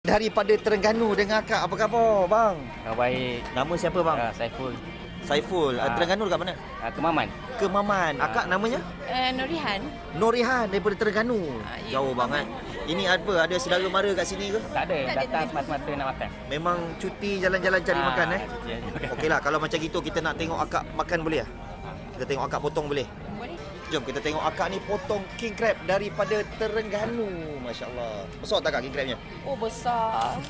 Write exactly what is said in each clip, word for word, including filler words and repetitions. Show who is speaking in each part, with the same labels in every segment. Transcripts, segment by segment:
Speaker 1: Daripada Terengganu dengan akak, apa khabar bang?
Speaker 2: Oh, baik.
Speaker 1: Nama siapa bang?
Speaker 2: Uh, Saiful.
Speaker 1: Saiful.
Speaker 2: Ah.
Speaker 1: Terengganu dekat mana?
Speaker 2: Uh, Kemaman.
Speaker 1: Kemaman. Akak namanya?
Speaker 3: Uh, Nurihan.
Speaker 1: Nurihan daripada Terengganu.
Speaker 3: Ah, ya,
Speaker 1: Jauh
Speaker 3: Kemaman.
Speaker 1: banget. Ini apa? Ada saudara mara kat sini ke?
Speaker 2: Tak ada.
Speaker 3: Tak ada,
Speaker 2: Datang
Speaker 3: tak ada.
Speaker 2: semata-mata nak makan.
Speaker 1: Memang cuti jalan-jalan cari
Speaker 2: Ah,
Speaker 1: makan eh?
Speaker 2: cuti aja makan.
Speaker 1: Okeylah, kalau macam gitu kita nak tengok akak makan boleh ah? Kita tengok akak potong boleh?
Speaker 3: Boleh?
Speaker 1: Jom kita tengok akak ni potong king crab daripada Terengganu. Masya-Allah. Besar tak kak king crabnya?
Speaker 3: Oh, besar.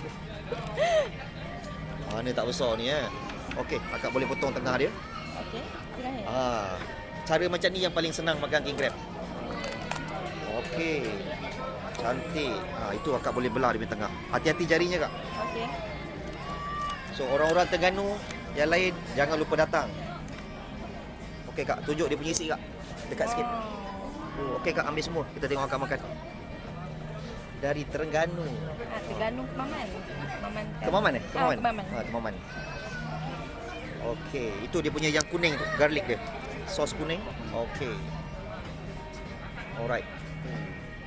Speaker 1: Mana tak besar ni eh? Okey, akak boleh potong tengah dia.
Speaker 3: Okey, silahkan.
Speaker 1: Ah, cara macam ni yang paling senang makan king crab. Okey. Cantik. Ha, itu akak boleh belah di tengah. Hati-hati jarinya kak.
Speaker 3: Okey.
Speaker 1: So orang-orang Terengganu yang lain jangan lupa datang. Okey kak, tunjuk dia punya isi kak. Dekat sikit. Oh, okey kak, ambil semua. Kita tengok akak makan. Dari Terengganu.
Speaker 3: Ah, Terengganu Kemaman. Kemaman. kan?
Speaker 1: Kemaman eh? Kemaman.
Speaker 3: Ah, Kemaman.
Speaker 1: Ha, Kemaman. Okey, itu dia punya yang kuning tu, garlic dia. Sos kuning. Okey. Alright. Hmm.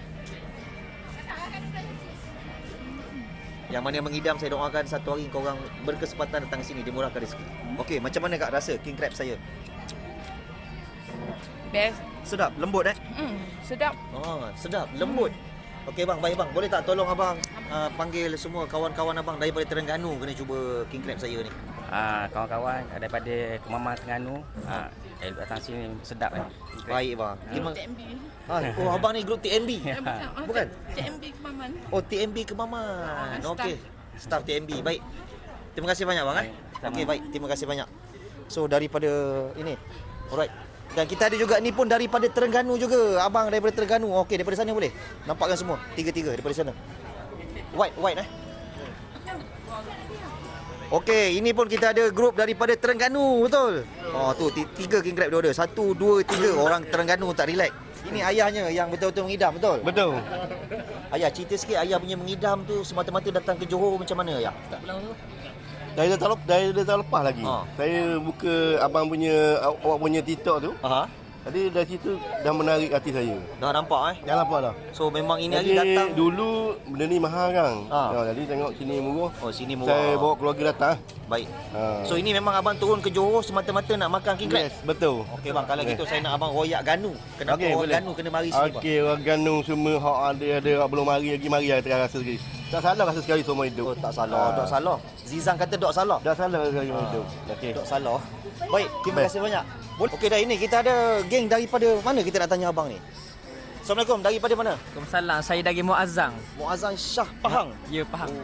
Speaker 1: Yang mana yang mengidam, saya doakan satu hari korang berkesempatan datang sini, dimurahkan rezeki. Okey, macam mana kak rasa king crab saya?
Speaker 3: Best.
Speaker 1: Sedap, lembut eh?
Speaker 3: Hmm, sedap.
Speaker 1: Oh, sedap, lembut. Okey bang, baik bang. Boleh tak tolong abang uh, panggil semua kawan-kawan abang daripada Terengganu kena cuba king crab saya ni.
Speaker 2: Ah, kawan-kawan daripada Kemaman Terengganu, ah, eh, datang sini sedap eh.
Speaker 1: Baik bang. Terima
Speaker 3: T M B.
Speaker 1: Ah, oh abang ni grup T M B.
Speaker 3: Eh, bukan. Oh,
Speaker 1: Bukan?
Speaker 3: T M B Kemaman.
Speaker 1: Oh, T M B Kemaman.
Speaker 3: Ah,
Speaker 1: Okey. Staff T M B. Baik. Terima kasih banyak bang eh.
Speaker 2: Baik, sama.
Speaker 1: Okey, baik. Terima kasih banyak. So daripada ini. Alright. Dan kita ada juga ni pun daripada Terengganu juga. Abang daripada Terengganu. Okey, daripada sana boleh? Nampakkan semua. Tiga-tiga daripada sana. White, white eh. Okey, ini pun kita ada grup daripada Terengganu, betul? Oh, tu ti- tiga king crab dia order. Satu, dua, tiga. Orang Terengganu tak relax. Ini ayahnya yang betul-betul mengidam, betul?
Speaker 4: Betul.
Speaker 1: Ayah, cerita sikit ayah punya mengidam tu semata-mata datang ke Johor macam mana ayah?
Speaker 4: Dari datang lepas, dari datang lepas lagi.
Speaker 1: Ha.
Speaker 4: Saya buka abang punya awak punya TikTok tu.
Speaker 1: Aha.
Speaker 4: Jadi dari situ dah menarik hati saya.
Speaker 1: Dah nampak eh?
Speaker 4: Dah nampak dah.
Speaker 1: So memang ini
Speaker 4: Jadi
Speaker 1: hari datang.
Speaker 4: dulu benda ni mahal kan.
Speaker 1: Ha.
Speaker 4: Ha, jadi tengok sini murah.
Speaker 1: Oh, sini murah.
Speaker 4: Saya bawa keluarga datang.
Speaker 1: Baik.
Speaker 4: Ha.
Speaker 1: So ini memang abang turun ke Johor semata-mata nak makan king crab?
Speaker 4: Yes, betul.
Speaker 1: Okey bang, kalau
Speaker 4: Yes.
Speaker 1: gitu saya nak abang royak Ganu. Kenapa
Speaker 4: Okey,
Speaker 1: orang
Speaker 4: boleh.
Speaker 1: Ganu kena mari sini bang?
Speaker 4: Okey, orang Ganu semua hak ada ada hak belum mari lagi mari lah tengah rasa sekali. Tak salah rasa sekali semua hidup.
Speaker 1: Oh, tak salah,
Speaker 4: Ha.
Speaker 1: dok salah. Zizang kata dok salah.
Speaker 4: Dah salah sekali semua
Speaker 1: Ha.
Speaker 4: hidup. Okey.
Speaker 1: Dok salah. Baik, terima
Speaker 4: Baik.
Speaker 1: kasih banyak. Boleh. Okey dah, ini kita ada geng daripada mana kita nak tanya abang ni? Assalamualaikum, daripada mana?
Speaker 5: Waalaikumsalam. Saya dari Muazzam.
Speaker 1: Muazzam Shah Pahang.
Speaker 5: Ya, faham.